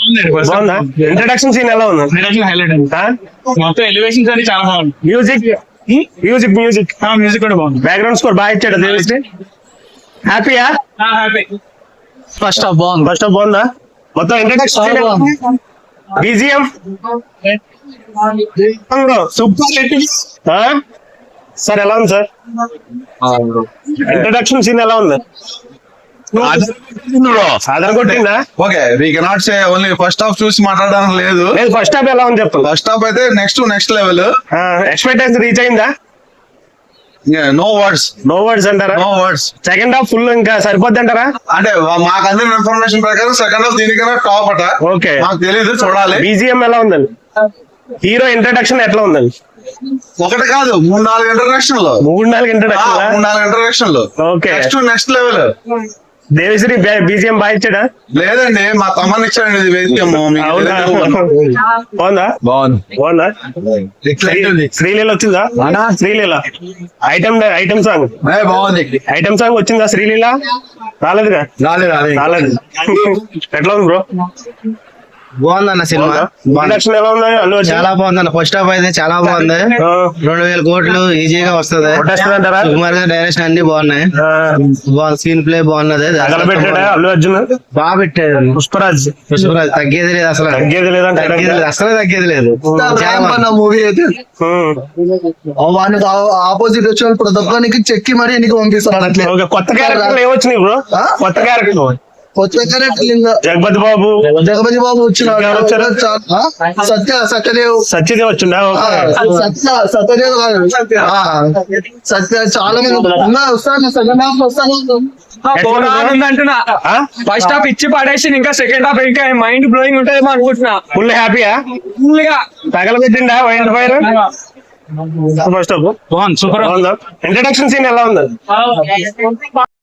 బాగుందా? Introduction scene ఎలా ఉంది? హైలైట్ అండి. మొత్తం ఎలివేషన్స్ అని చాలా బాగుంది. మ్యూజిక్ మ్యూజిక్ కూడా బాగుంది. బ్యాక్గ్రౌండ్ స్కోర్ బాగా ఇచ్చాడు దేవిశ్రీ. హ్యాపీయా? హ్యాపీ. ఫస్ట్ హాఫ్ బాగుందా? మొత్తం ఇంట్రడక్షన్ బీజిఎం సూపర్. సార్ ఎలా ఉంది సార్? ఇంట్రడక్షన్ సీన్ ఎలా ఉంది? సాధారణ కొట్టిందా? Okay, we cannot say only first half చూసి మాట్లాడడానికి లేదు. ఫస్ట్ హాఫ్ ఎలా ఉంది చెప్పండి. ఫస్ట్ హాఫ్ అయితే నెక్స్ట్ లెవెల్. ఎక్స్పెక్టేషన్ రీచ్ అయిందా? నో వర్డ్స్ అంటారా? No words. Second half full ఇంకా సరిపోద్ది అంటారా? అంటే మాకు అందిన ఇన్ఫర్మేషన్ ప్రకారం సెకండ్ హాఫ్ దీనికన్నా టాప్ అట. ఓకే, మాకు తెలియదు, చూడాలి. బీజిఎం ఎలా ఉందండి? హీరో ఇంట్రడక్షన్ ఎట్లా ఉందండి? ఒకటి కాదు, 3-4 ఇంట్రడక్షన్ లో. Okay, next level. Devi Sri BGM బాగా ఇచ్చాడా? లేదండి, మా తమ్మని ఇచ్చాడండి ఇది బీజిఎం. బాగుందా? శ్రీలీల వచ్చిందా? శ్రీలీల ఐటమ్ సాంగ్ బాగుంది. ఐటమ్ సాంగ్ వచ్చిందా? శ్రీలీల రాలేదుగా? రాలేదు. ఎట్లా ఉంది బ్రో? బాగుందన్న సినిమా. చాలా బాగుందన్న. ఫస్ట్ హాఫ్ అయితే చాలా బాగుంది. 2000 కోట్లు ఈజీగా వస్తుంది. సుకుమార్ గారి డైరెక్షన్ అన్ని బాగున్నాయి. స్క్రీన్ ప్లే బాగున్నది. అల్లు అర్జున్ బాగా పెట్టాడు. పుష్పరాజ్ తగ్గేది లేదు అసలు. అసలు తగ్గేది లేదు. మూవీ అయితే వానికి ఆపోజిట్ వచ్చిన ప్రతి ఒక్కరికి చెక్కి మరీ ఎన్నిక పంపిస్తున్నాడు. అట్లే కొత్త క్యారెక్టర్ ఏమొచ్చినాయి బ్రో? కొత్త క్యారెక్టర్ జగపతి బాబు వచ్చినాడు. సత్యదేవ్ వచ్చిండా? సత్యదేవ్ చాలా మంది వస్తాను. సెకండ్ హాఫ్ వస్తాను. ఫస్ట్ హాఫ్ ఇచ్చి పడేసి ఇంకా సెకండ్ హాఫ్ ఇంకా మైండ్ బ్లోయింగ్ ఉంటుందేమో అనుకుంటున్నా. ఫుల్ హ్యాపీయా? ఫుల్ గా తగలబెట్టిండా ఫైర్? ఫస్ట్ హాఫ్ బాగుంది, సూపర్. ఇంట్రడక్షన్ సీన్ ఎలా ఉంది?